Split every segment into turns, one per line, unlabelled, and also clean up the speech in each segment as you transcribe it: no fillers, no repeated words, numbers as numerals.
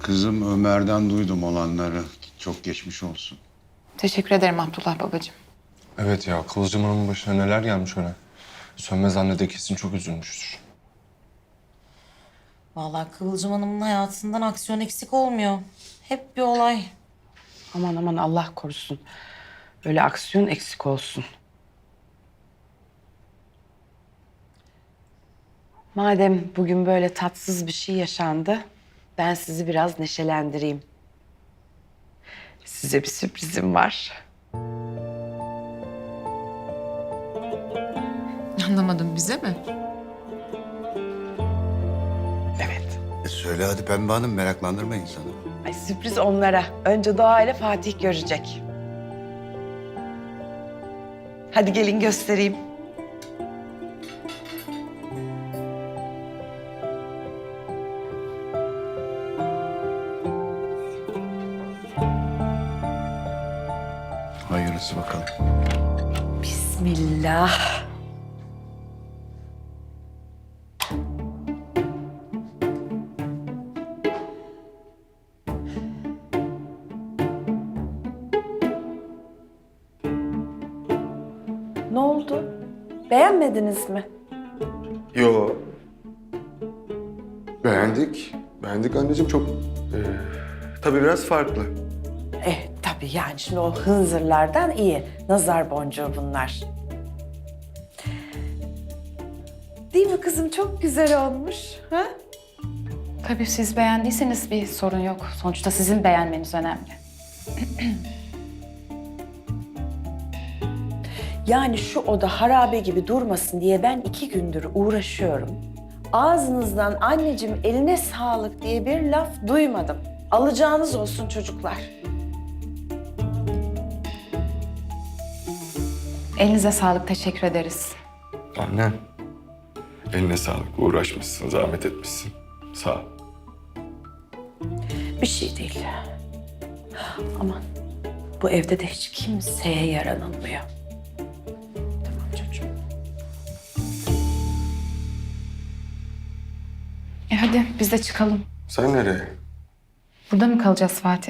Kızım Ömer'den duydum olanları. Çok geçmiş olsun.
Teşekkür ederim Abdullah babacığım.
Evet ya, Kıvılcım Hanım'ın başına neler gelmiş öyle. Sönmez anne de kesin çok üzülmüştür.
Vallahi Kıvılcım Hanım'ın hayatından aksiyon eksik olmuyor. Hep bir olay.
Aman aman Allah korusun. Öyle aksiyon eksik olsun. Madem bugün böyle tatsız bir şey yaşandı, ben sizi biraz neşelendireyim. Size bir sürprizim var.
Anlamadım, bize mi?
Evet.
Söyle hadi Pembe Hanım, meraklandırma insanı.
Ay, sürpriz onlara. Önce Doğa ile Fatih görecek. Hadi gelin göstereyim.
Hayırlısı bakalım.
Bismillah. Ne oldu? Beğenmediniz mi?
Yo. Beğendik. Beğendik anneciğim çok. Tabii biraz farklı.
Tabii yani şimdi o hınzırlardan iyi. Nazar boncuğu bunlar. Değil mi kızım? Çok güzel olmuş. Ha?
Tabii siz beğendiyseniz bir sorun yok. Sonuçta sizin beğenmeniz önemli.
Yani şu oda harabe gibi durmasın diye ben 2 gündür uğraşıyorum. Ağzınızdan anneciğim eline sağlık diye bir laf duymadım. Alacağınız olsun çocuklar.
Elinize sağlık, teşekkür ederiz.
Anne. Eline sağlık. Uğraşmışsın, zahmet etmişsin. Sağ ol.
Bir şey değil. Aman bu evde de hiç kimseye yaranılmıyor. Tamam çocuğum.
Hadi biz de çıkalım.
Sen nereye?
Burada mı kalacağız Fatih?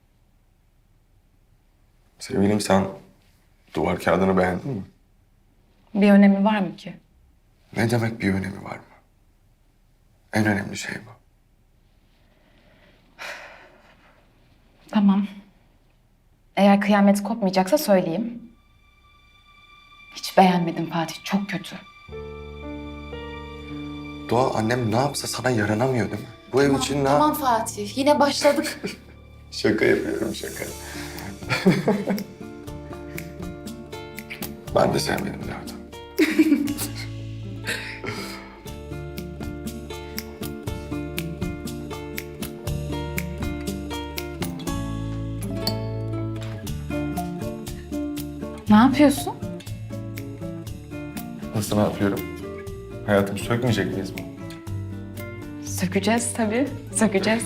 Sevgilim, sen duvar kağıdını beğendin mi?
Bir önemi var mı ki?
Ne demek bir önemi var mı? En önemli şey bu.
Tamam. Eğer kıyamet kopmayacaksa söyleyeyim. Hiç beğenmedim Fatih, çok kötü.
Doğa, annem ne yapsa sana yaranamıyor değil mi? Bu ev için ne
Tamam Fatih, yine başladık.
Şaka yapıyorum, şaka. Ben de sevmedim Levent.
Ne yapıyorsun?
Nasıl, ne yapıyorum? Hayatımı sökmeyecek miyiz mi?
Sökeceğiz tabii, sökeceğiz.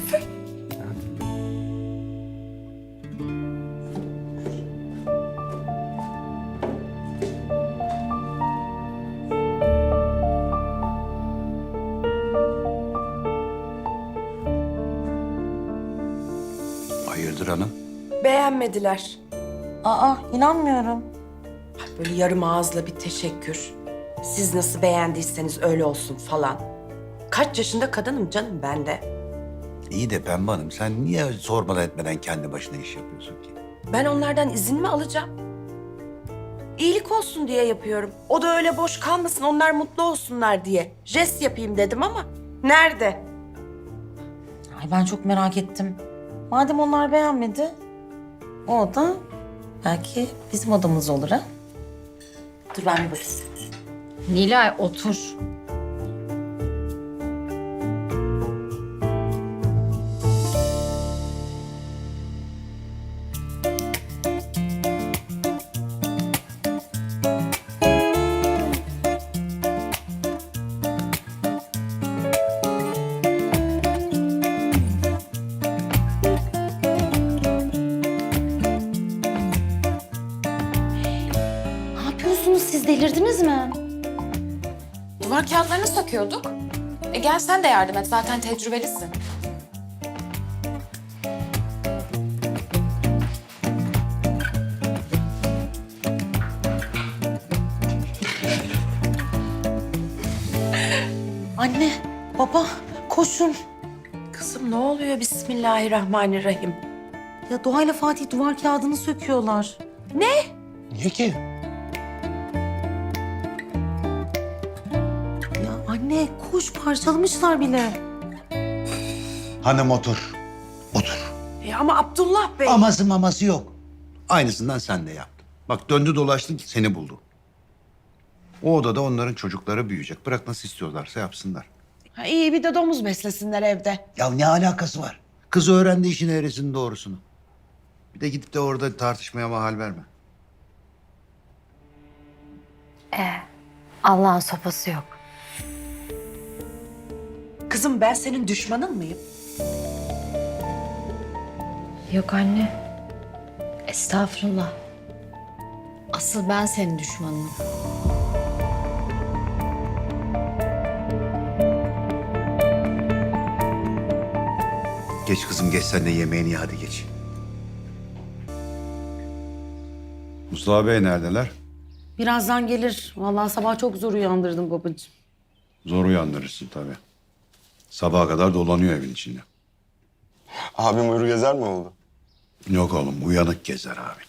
Hayırdır hanım?
Beğenmediler.
Aa, inanmıyorum.
Böyle yarım ağızla bir teşekkür. Siz nasıl beğendiyseniz öyle olsun falan. Kaç yaşında kadınım canım ben de.
İyi de Pembe Hanım, sen niye sormadan etmeden kendi başına iş yapıyorsun ki?
Ben onlardan izin mi alacağım? İyilik olsun diye yapıyorum. O da öyle boş kalmasın, onlar mutlu olsunlar diye. Jest yapayım dedim ama nerede?
Ay ben çok merak ettim. Madem onlar beğenmedi, o oda belki bizim odamız olur ha?
Dur ben bir bakayım.
Nilay otur. Siz delirdiniz mi? Duvar kağıtlarını söküyorduk. Gel sen de yardım et, zaten tecrübelisin.
koşun.
Kızım ne oluyor? Bismillahirrahmanirrahim.
Ya Doğayla Fatih duvar kağıdını söküyorlar.
Niye ki?
Ya anne koş, parçalamışlar bile.
Hanım otur. Otur.
Ama Abdullah Bey.
Aması maması yok. Aynısından sen de yaptın. Bak döndü dolaştı seni buldu. O odada onların çocukları büyüyecek. Bırak nasıl istiyorlarsa yapsınlar.
Ha, iyi bir de domuz beslesinler evde.
Ya ne alakası var? Kız öğrendi işin eğrisini doğrusunu. Bir de gidip de orada tartışmaya mahal verme.
Allah'ın sopası yok.
Kızım ben senin düşmanın mıyım?
Yok anne. Estağfurullah. Asıl ben senin düşmanınım.
Geç kızım geç sen de yemeğini ye hadi geç. Mustafa Bey neredeler?
Birazdan gelir. Vallahi sabah çok zor uyandırdım babacığım.
Zor uyandırırsın tabii. Sabaha kadar dolanıyor evin içinde.
Abim uyur gezer mi oldu?
Yok oğlum uyanık gezer abi.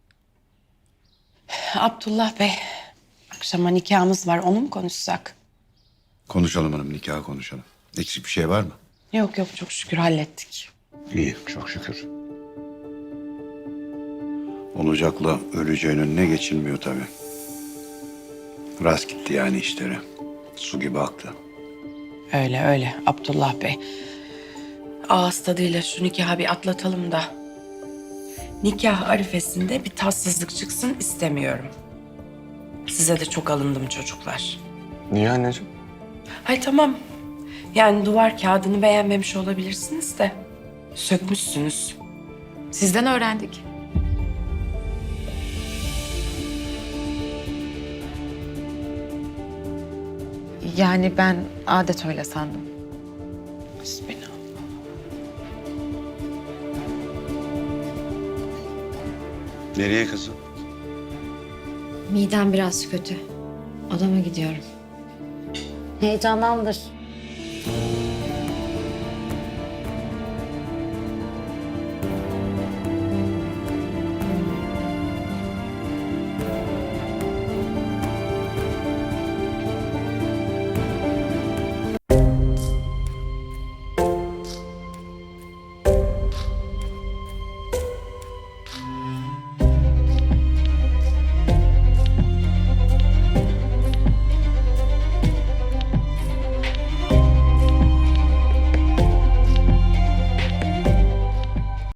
Abdullah Bey, akşama nikahımız var. Onu mu konuşsak?
Konuşalım hanım nikahı konuşalım. Eksik bir şey var mı?
Yok yok çok şükür hallettik.
İyi çok şükür. Olacakla öleceğin önüne geçilmiyor tabii. Rast gitti yani işleri. Su gibi aktı.
Öyle öyle Abdullah Bey. Ağız tadıyla şu nikahı bir atlatalım da. Nikah arifesinde bir tatsızlık çıksın istemiyorum. Size de çok alındım çocuklar.
Niye anneciğim?
Hay tamam. Yani duvar kağıdını beğenmemiş olabilirsiniz de. Sökmüşsünüz.
Sizden öğrendik. Yani ben adet öyle sandım.
Bismillah.
Nereye kızım?
Midem biraz kötü. Odama gidiyorum. Heyecandandır.